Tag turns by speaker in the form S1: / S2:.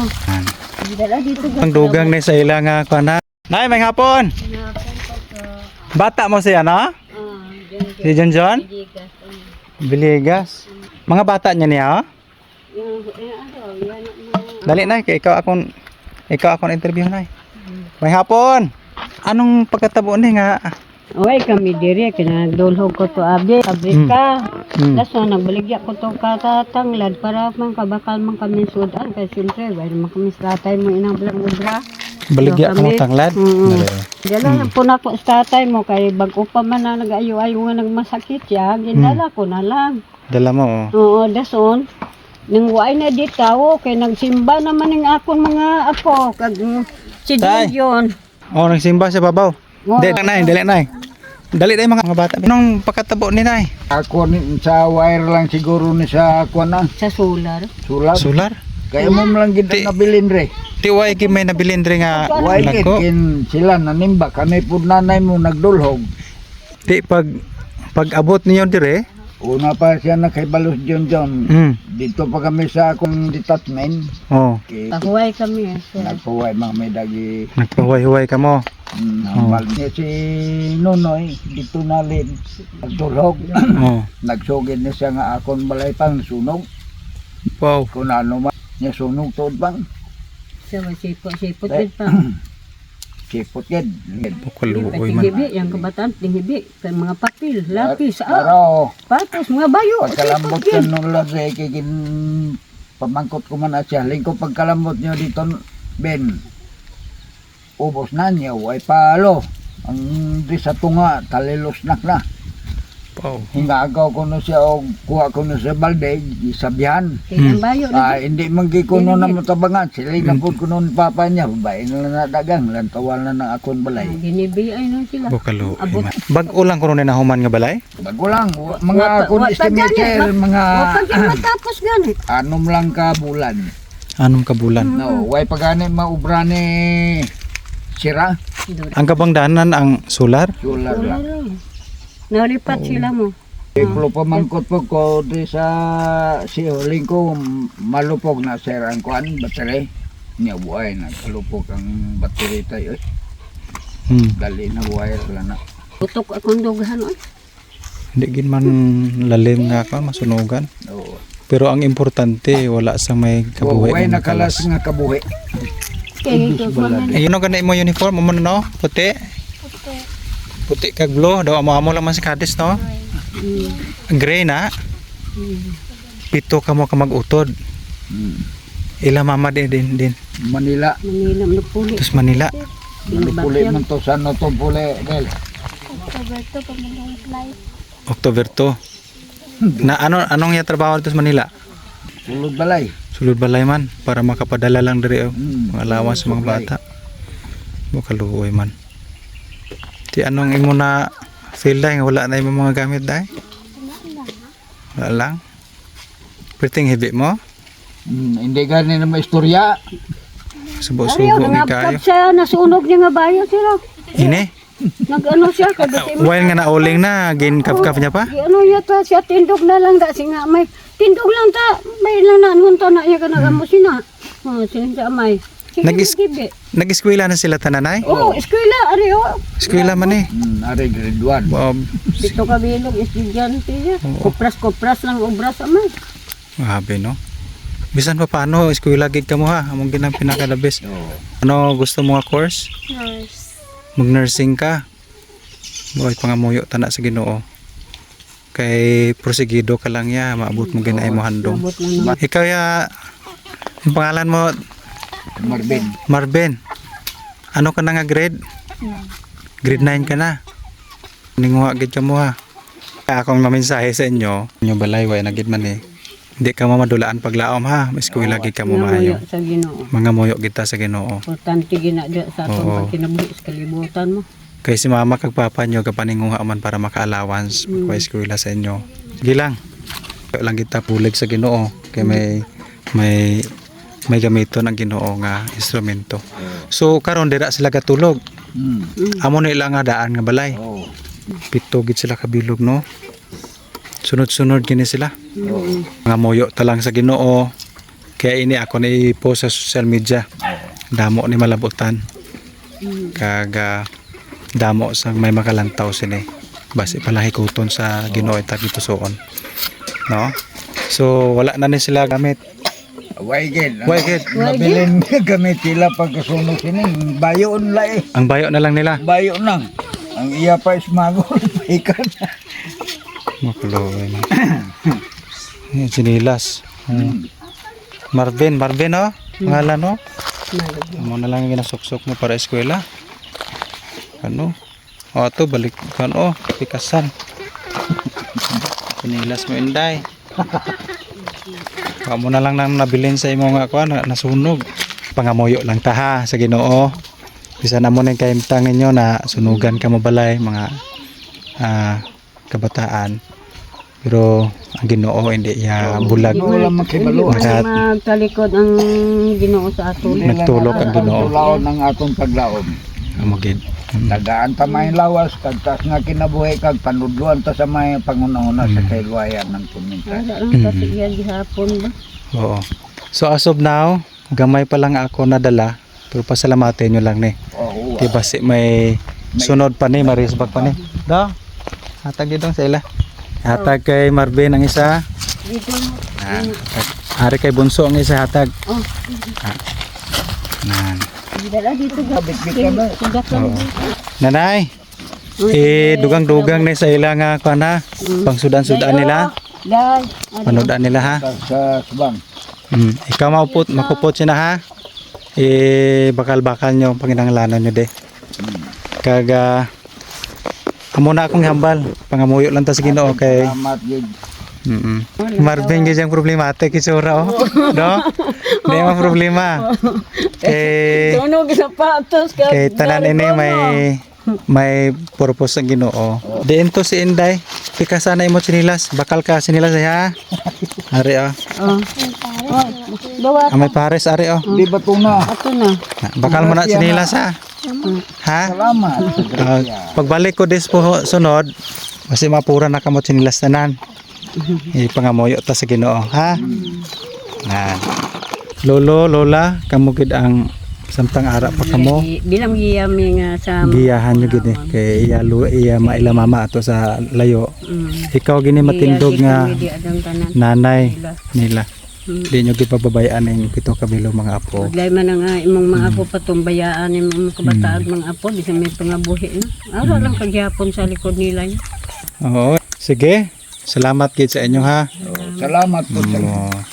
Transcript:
S1: Dala dito.
S2: Ang dugang ni sa ilang kuana. Nay, may hapon. Bata mo siya, no? Si John John? Biligas. Mga bata niya niya, oh? Dali na, ikaw akong interview na. May hapon. Anong pagkatabo ni nga?
S1: Oy, kami diri kinadulhog ko to abi, pabrika. Daso nagbaligya ko to katatanglad para man kabakal man kami sudan kay siyempre wala man kami tatay mo inang blang ubra.
S2: Baligya ka mo tanglad?
S1: Dala po na ko sa tatay mo kay bago pa man na nag-ayo-ayo nga nagmasakit siya, gindala ko na lang.
S2: Dala mo, oh.
S1: Oo, dason. Nang way na di tao kay nagsimba naman ng akong mga apo kag si Dion.
S2: Oh, nagsimba sa babaw. Dali na. Dali na mga bata. Anong pagkatabo ni nay?
S3: Ako sa wire lang siguro ni sa ako na.
S1: Sa solar.
S2: Solar?
S3: Kaya mo lang gid nabilin re.
S2: Ti way kay may nabilin diri nga
S3: Why
S2: lako.
S3: kin sila nanimba kami pud nanay mo nagdulhog.
S2: Ti pag abot niyo dire,
S3: Una pa siya na kay Balos John John. Dito pa kami sa akong detachment.
S2: Oh,
S1: Pahuway kami.
S3: Nagpuway mga may dagi.
S2: nagpahuway-huway ka mo.
S3: Hambal niya si Nonoy dito nalin. Nagdulhog.
S2: Oh.
S3: Nagsugid niya siya nga akong balay pang sunog.
S2: Wow.
S3: Kung ano man niya sunog tuod bang.
S1: Sa sipot din pa.
S3: Sipot yan.
S2: Bukaluoy man.
S1: Tinghibi, yung kabataan, tinghibi. Kay mga papel, lapis,
S3: Pero
S1: patos, mga bayo.
S3: pagkalambot yan nung lodre, kigin pamangkot ko man at siya. Lingko pagkalambot nyo dito, Ben, ubos na niya, ay palo. Ang di sa tunga, talilosnak na.
S2: Wow.
S3: Hingagaw ko na siya o kuha ko na sa balde, isabihan.
S1: Kaya ang bayo na.
S3: Hindi magkikuno na matabangan. Sila inapod ko noon papa niya, babae na nadagang, lantawal na ng akon balay.
S1: Ginibi ay nun sila.
S2: Bukaluoy
S1: Abot.
S2: man. Bag-o lang kuno ni nahuman nga balay?
S3: Bago lang, mga akon estimator, mga
S1: Pag matapos ganit.
S3: anom lang ka bulan.
S2: Anong kabulan?
S3: No, way pagani maubra ni sira,
S2: Ang kabangdanan ang solar?
S3: sular lang.
S1: Nalipat sila mo.
S3: Iplo pamangkot po ko di sa sihuling ko malupog na sir ang kuan battery. Niya buhay na kalupog ang battery tayo. Dali na wire lang na.
S1: Tutok akong dughan.
S2: Hindi gin man lalim nga ka masunugan.
S3: Oo.
S2: Pero ang importante wala sa may kabuhi.
S3: Way
S2: nga
S3: nakalas nga kabuhi.
S1: Kaya ito ko na.
S2: Ayun ang ganda mo uniform mo no? Puti. Puti kag blue daw amo lang man si Kadis no. Gray na. Pito ka mo ka magutod. Ila mama din.
S3: Manila.
S1: Manila, Manupuli.
S2: Terus Manila.
S3: Manupuli man to sa no to puli del.
S2: October 2. Na anong ya trabaho dito sa Manila?
S3: Sulod balay.
S2: Sulod balay man para makapadala lang diri mga allowance sa mga
S3: supply.
S2: bata. Bukaluoy man. Ti anong imo na feel dai nga wala na imong mga gamit dai? Wala lang. Perting hibi mo?
S3: Hindi gani na maistorya.
S2: Subo-subo ni kayo.
S1: Siya, nasunog niya nga bayo sila.
S2: Ini?
S1: Nag-ano siya, kadati mo.
S2: While nga nauling na, gin-kap-kap niya pa?
S1: Ano yata siya, tindog na lang kasi nga may, tindog lang ta, may lananhon to na iya ka nagamo sina. Siya may.
S2: Nag-eskwela na sila tananay?
S1: Eskwela, ari
S2: Eskwela man eh.
S3: Ari grade 1.
S2: Wow.
S1: Dito ka bilog, estudyante siya. Kupras lang obras amay.
S2: Grabe no? Bisan pa paano, eskwela gid ka mo ha? Among ginang pinakalabis. Ano gusto mo nga course?
S4: Nurse.
S2: Mag-nursing ka. Boy, pangamuyo tana sa Ginoo. Kay prosigido ka lang ya, maabot mo ginay mo handom. Ikaw ya, ang pangalan mo Marvin. Ano ka na nga grade? Grade 9 ka na. Ninguha gid ka mo ha. Akong mamensahe sa inyo, inyo balay way na gid man eh. Hindi ka mo madulaan paglaom ha. Eskwela gid ka mo maayo.
S1: Sa Ginoo.
S2: Mga muyo kita sa Ginoo.
S1: Importante ginadya sa atong pagkinabuhi sa kalibutan mo.
S2: Kay si mama kag papa nyo kapaninguha man para maka-allowance pagpa-eskwela sa inyo. Sige lang. Lang kita pulig sa Ginoo kay may gamiton ang Ginoo nga instrumento. So karon dira sila gatulog. Amo na ilang nga daan nga balay. Pito gid sila kabilog no. Sunod-sunod gini sila. Mga moyo talang sa Ginoo Kaya ini ako na i-post sa social media. Damo ni malabutan. Kaga damo sang may makalantaw sini. Basi pala hikuton sa Ginoo ita gitusoon. No? So wala na ni sila gamit.
S3: Waigid.
S2: Waigid.
S3: Mabilin gamit sila pagkasunog sining. Bayon la eh.
S2: Ang bayo na lang nila.
S3: Bayo nang. Ang iya pa ismagol. Ikan.
S2: Makuloy na. Yan, sinilas. Marvin, oh. Pangalan, no? Amo na lang yung ginasuksok mo para eskwela. Ano? O, ito, balik. Ano? Pikasan. Sinilas mo, Inday. Amo na lang nang nabilin sa imo nga kuan, nasunog. Pangamuyo lang ta ha sa Ginoo. Bisa na mo nang kaimtang ninyo na sunugan ka mo balay mga kabataan. Pero ang Ginoo hindi iya bulag.
S3: Wala makibalo.
S2: Lahat.
S1: Magtalikod ang Ginoo sa aton.
S2: Nagtulok ang Ginoo.
S3: Tulaon ng atong paglaom.
S2: Amo gid.
S3: Tagaan ta may lawas kagtas nga kinabuhi kag panudluan ta sa may pangunahuna sa kayluayan ng tuminta.
S1: Wala lang kasi yan gihapon ba?
S2: Oo. So as of now, gamay pa lang ako nadala. Pero pasalamatin nyo lang ni.
S3: Oo.
S2: Di ba si may sunod pa ni, marisbag pa ni. Do. Hatag dito sa ila. Hatag kay Marvin ang isa.
S1: Dito mo.
S2: Ari kay Bunso ang isa hatag.
S1: Oh.
S2: Nan.
S1: Dala dito ga.
S3: Bit-bit ka ba?
S1: Sugat lang.
S2: Nanay. Dugang-dugang ni sa ila nga kana. Pangsudan-sudan nila.
S1: Dai.
S2: Panudan nila ha.
S3: Sa subang.
S2: Ikaw makupot siya na ha. Bakal-bakal nyo panginanglanan nyo de. Kaga amo na akong hambal. Pangamuyo lang ta sa Ginoo kay
S3: Salamat gid.
S2: Marvin gyud ang problematic isura oh. No? Di mo problema. Kay
S1: Tunog sa patos ka.
S2: kay tanan ini may purpose ang Ginoo. Diin to si Inday. Pika sana imo sinilas. Bakal ka sinilas ha. Ari oh.
S1: Oh. Bawa
S2: May pares ari oh.
S3: Di ba tuna?
S1: ato na.
S2: Bakal mo na sinilas ha. Ha?
S3: Salamat.
S2: Pagbalik ko des po sunod, kasi mapura na kamot sinilas tanan. Ipangamoyo ta sa Ginoo, ha? Nan. Lolo, lola, kamo gid ang samtang ara pa kamo.
S1: Bilang giyami nga sa
S2: Giyahan nyo gid kay iya maila mama ato sa layo. Ikaw gini matindog nga
S1: Di adang tanan.
S2: nanay nila. Di nyo gid pababayaan ang pito kabilo mga apo.
S1: Paglay man ang imong mga apo patumbayaan imong mga kabataan mga apo di sa may pangabuhi na. Ara lang kagyapon sa likod nila.
S2: Oo. Sige. Salamat gid sa inyo ha.
S3: Salamat po sa
S2: Oo.